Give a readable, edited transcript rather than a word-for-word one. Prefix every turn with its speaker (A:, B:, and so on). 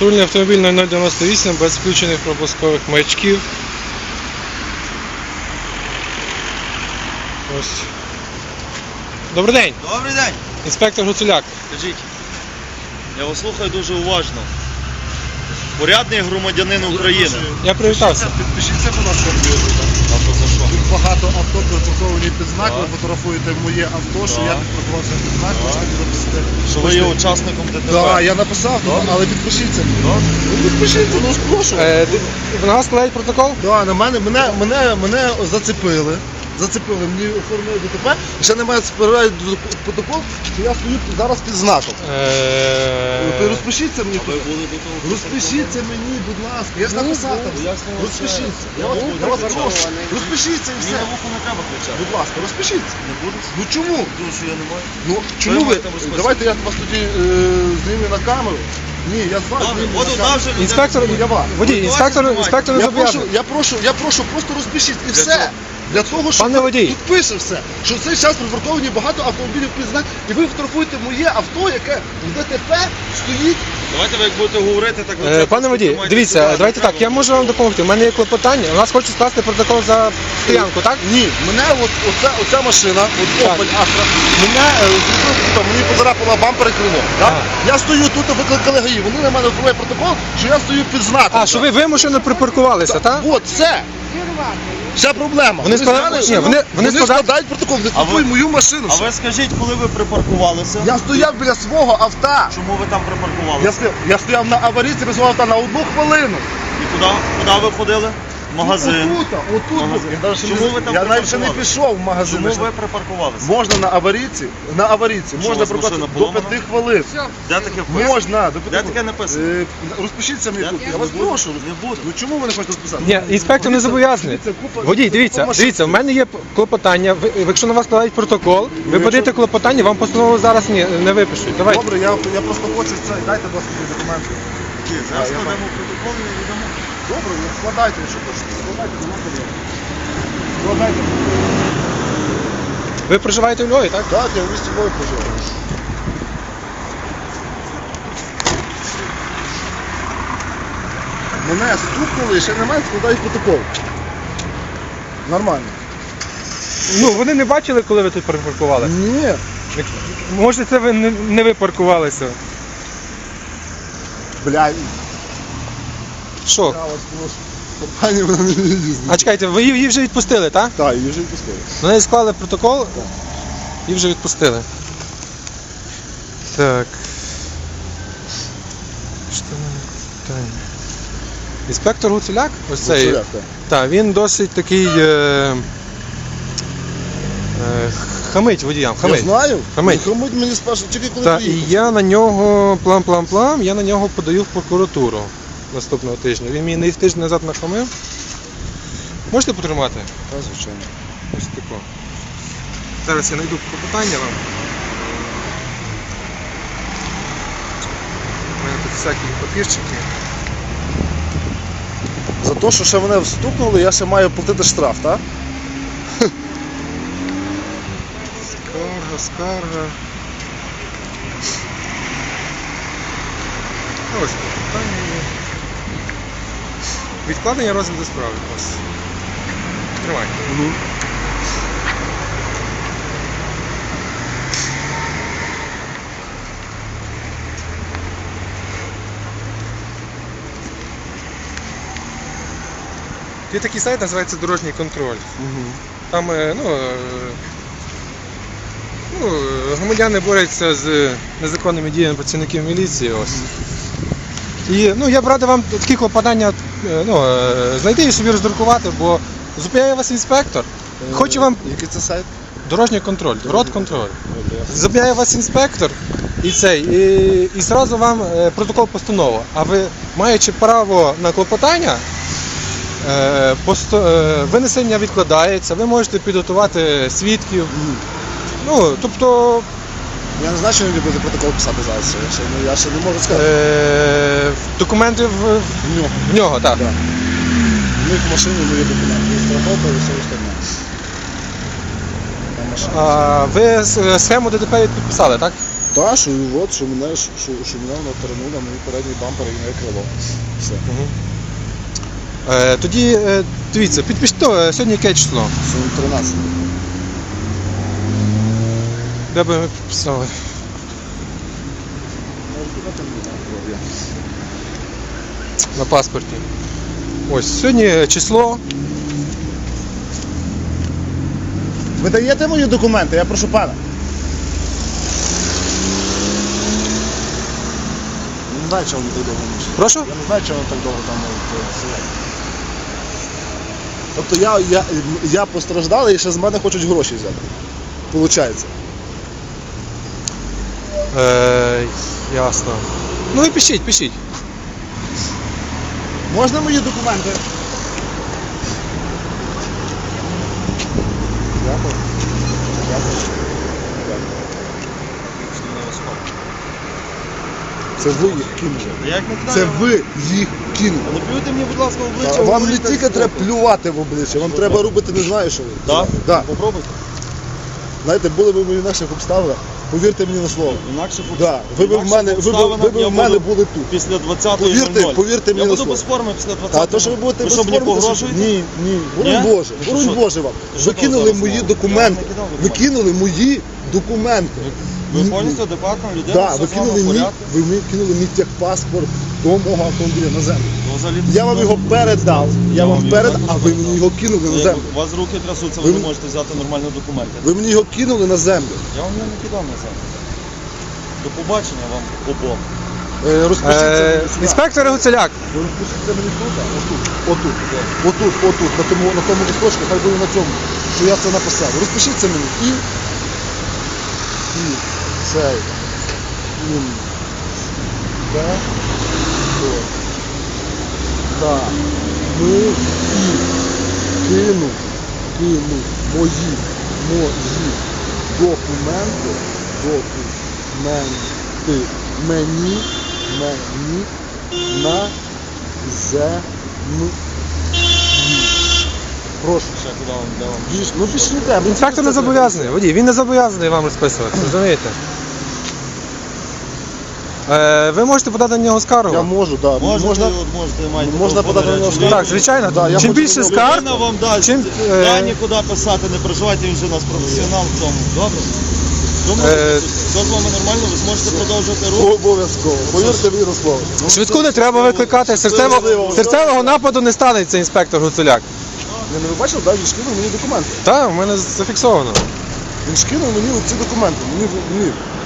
A: Патрульний автомобіль 0098 без включених пропускових маячків. Ось. Добрий день!
B: Добрий день!
A: Інспектор Гуцуляк.
B: Скажіть, я вас слухаю дуже уважно. Порядний громадянин України.
A: Я привітався.
C: Підпишіться, будь ласка, в YouTube.
B: А то за що?
C: Тут багато авто припарковані під знак, ви фотографуєте моє авто, що я припаркувався під знак, хочете записати.
B: Що ви є учасником ДТП?
C: Так, я написав, але підпишіться. Ну підпишіться, ну ж прошу.
A: На вас складають протокол?
C: Да, на мене зацепили. Мені оформили ДТП, і ще немає спирають протокол, що я стою зараз під знаком. Ви розпишіться мені тут. Розпишіться мені, будь ласка. Я ж написав там. Розпишіться. Я вас прошу. Розпишіться і все.
B: Мені на вухо не треба кричати.
C: Будь ласка, розпишіться.
B: Не буду?
C: Ну чому?
B: Тому що я не маю.
C: Ну чому ви?
B: маєте розписати?
C: Давайте я вас тоді зніму на камеру. Ні, я з вас
B: Добре,
C: зніму
B: от
C: на
B: одна
C: камеру.
B: вже людина.
A: Інспектор,
C: Я вас.
A: водій, інспектор не зобов'язаний.
C: Я прошу, просто розпишіть і все. Для того, що
A: Пане водій.
C: тут пише все, що в цей час припарковані багато автомобілів під знак, і ви фотографуєте моє авто, яке в ДТП стоїть.
B: Давайте ви як будете говорити, так ви
A: Пане водій, дивіться, давайте так, я можу вам допомогти. У мене є клопотання, у нас хочуть скласти протокол за стоянку, так?
C: Ні, мене оця машина,
A: Так.
C: Opel Astra, мені поцарапала бампер і крило. Так?
A: Ага.
C: Я стою тут, викликали ГАІ, вони на мене оформляють протокол, що я стою під знаком.
A: А, що ви вимушено припаркувалися, так?
C: От, все. Вся проблема.
A: Вони складають- ні, вони
C: складають протокол, не фотографуй мою машину.
B: А ви скажіть, коли ви припаркувалися?
C: Я стояв біля свого авто.
B: Чому ви там припаркувалися?
C: Я стояв на аварійці без свого авто на 1 хвилину.
B: І куди ви ходили? В магазин.
C: Отут.
B: Магазин.
C: Я навіть ще
B: Чому
C: не-
B: ви там
C: Я навіть ще не
B: припаркувалися?
C: пішов в магазин.
B: Чому ви припаркувалися?
C: Можна на аварійці
B: Що,
C: можна
B: у вас
C: припаркувати
B: машина
C: до
B: поламана?
C: 5 хвилин.
B: Де таке вписано?
C: Можна, до 5
B: Де таке написано?
C: Розпишіться мені
B: Я
C: тут.
B: таке
C: Я вас
B: не буду.
C: прошу.
B: Не буду.
C: Ну чому ви не хочете розписати?
A: Ні, інспектор не зобов'язаний. Водій, дивіться, в мене є клопотання. Якщо на вас складають протокол, ви подаєте клопотання, вам постанову зараз не випишуть. Давайте.
C: Добре, я просто хочу це. Дайте, будь ласка, документи.
B: Зараз складемо протокол і віддамо.
C: Добре, ну, складайте, що хочете. Складайте, нема проблем. Складайте.
A: Ви проживаєте у Львові, так?
C: Так, я в місті Львові проживаю. Мене стукнули і ще немає, складають протокол. Нормально.
A: Ну, вони не бачили, коли ви тут припаркували.
C: Ні.
A: Може, це ви не ви паркувалися.
C: Бля,
A: Що?
C: я вас прошу. Пані, вона не їздить.
A: А чекайте, ви її вже відпустили, так?
C: Так, її вже відпустили.
A: На неї склали протокол і вже відпустили. Так. Що в мене питання? Інспектор Гуцуляк, ось цей.
C: Гуцуляк, так.
A: Так, він досить такий хамить водіям.
C: Я
A: Хамить.
C: знаю.
A: Хамить.
C: Хамить мені спершу, тільки коли
A: Так, і
C: приїхав.
A: я на нього плам-плам-плам, я на нього подаю в прокуратуру наступного тижня. Він мені тиждень назад нахамив. Можете потримати?
C: Так, звичайно.
A: Ось тако. Зараз я знайду клопотання вам. У мене тут всякі папірчики.
C: За те, що ще мене встукнули, я ще маю платити штраф, так?
A: Скарга. Ось клопотання є. Відкладення розгляду справи. Ось. Тримай. Є такий сайт, називається Дорожній контроль. Там громадяни борються з незаконними діями працівників міліції. Ось. І я б радив вам такі клопотання знайти і собі роздрукувати, бо зупиняє вас інспектор. Хоче вам
C: Який це сайт?
A: дорожній контроль, родконтроль. Зупиняє вас інспектор і зразу вам протокол постанови. А ви, маючи право на клопотання, винесення відкладається, ви можете підготувати свідків. Тобто
C: Я не знаю, що він буде протокол писати зараз. Я ще не можу сказати.
A: документи в нього, так.
C: Да. У них в машині мої документи. Страховка і все остальне. Там машина.
A: Ви схему ДТП підписали, так?
C: Та, що от, що мене воно перенуло, мені передній бампер і моє крило. Все.
A: Тоді, дивіться, підпишіть, сьогодні яке число?
C: Сьогодні 13.
A: Де би ми підписали? На паспорті. Ось, сьогодні число.
C: Ви даєте мої документи, я прошу пана. Я не знаю, чого вони так довго мучать.
A: Прошу?
C: Я не знаю, чого вони так довго там сидять. Тобто я постраждалий і ще з мене хочуть гроші взяти. Получається.
A: Ясно. Ну і пишіть.
C: Можна мої документи? Дякую. Це ви їх кинули.
B: Як не
C: Це
B: знаю.
C: ви їх кинули.
B: Не плюйте мені, будь ласка, в обличчя.
C: Вам не
B: говорите,
C: тільки
B: що-
C: треба плювати в обличчя, вам треба робити не знаю, що ви.
B: Так?
C: Так.
B: Попробуйте.
C: Знаєте, були ви в інакших обставинах, повірте мені на слово.
B: Інакше
C: Да. Ви б в мене, були тут.
B: Після 20.00.
C: Повірте мені
B: Я
C: на
B: буду
C: слово.
B: без форми після 20.00.
C: А то, що ви будете без
B: що, мені
C: форми, то що?
B: погрожуєте?
C: Ні. Боронь
B: Ні?
C: Боже,
B: Ну, що,
C: боронь
B: що?
C: Боже вам.
B: Що
C: Ви
B: то
C: кинули
B: зараз
C: мої
B: мало?
C: документи.
B: Я вам не кидав
C: Ви
B: документи.
C: кинули мої документи.
B: Ви повністю адекватна людина,
C: Так,
B: все
C: ви
B: з вами
C: кинули
B: в
C: мій,
B: порядку.
C: ви мені кинули мій техпаспорт до мого автомобіля на землю.
B: Ну, взагалі,
C: Я вам його передав. Я вам передав, а ви мені його кинули на землю.
B: У вас руки трясуться,
C: Ви
B: ви не
C: м-
B: можете взяти нормально документи.
C: Ви мені його кинули на землю.
B: Я вам його не кидав на землю. До побачення вам обом.
C: Розпишіться мені сюди.
A: Інспектор Гуцуляк.
C: Ви розпишіться мені тут, отут, на тому листочку, хай буде на цьому, що я це написав. Розпишіться мені і цей. Так. Ми кину мої документи мені на землю. Прошу.
B: Ще куди вам, де вам?
C: Ну пішліте.
A: Інспектор не зобов'язаний, водій, він не зобов'язаний вам розписувати, розумієте? Ви можете подати на нього скаргу.
C: Я можу, так.
B: Можете,
C: Можна,
B: маєте
C: можна подати на нього скаргу.
A: Так, звичайно.
C: Да, я
A: Чим
C: хочу
A: більше
C: на нього-
A: скарг,
B: Людина вам дасть.
A: чим,
B: Да, нікуди писати, не переживайте, він вже у нас професіонал в цьому. Добре? Тому все з вами нормально, ви зможете продовжувати рух.
C: Обов'язково. Повірте мені на слово.
A: швидку не треба викликати, серцевого нападу не станеться інспектор Гуцуляк.
C: Ви бачили, да, він шкинув мені документи.
A: Так, у мене зафіксовано.
C: Він шкинув мені ці документи. Мені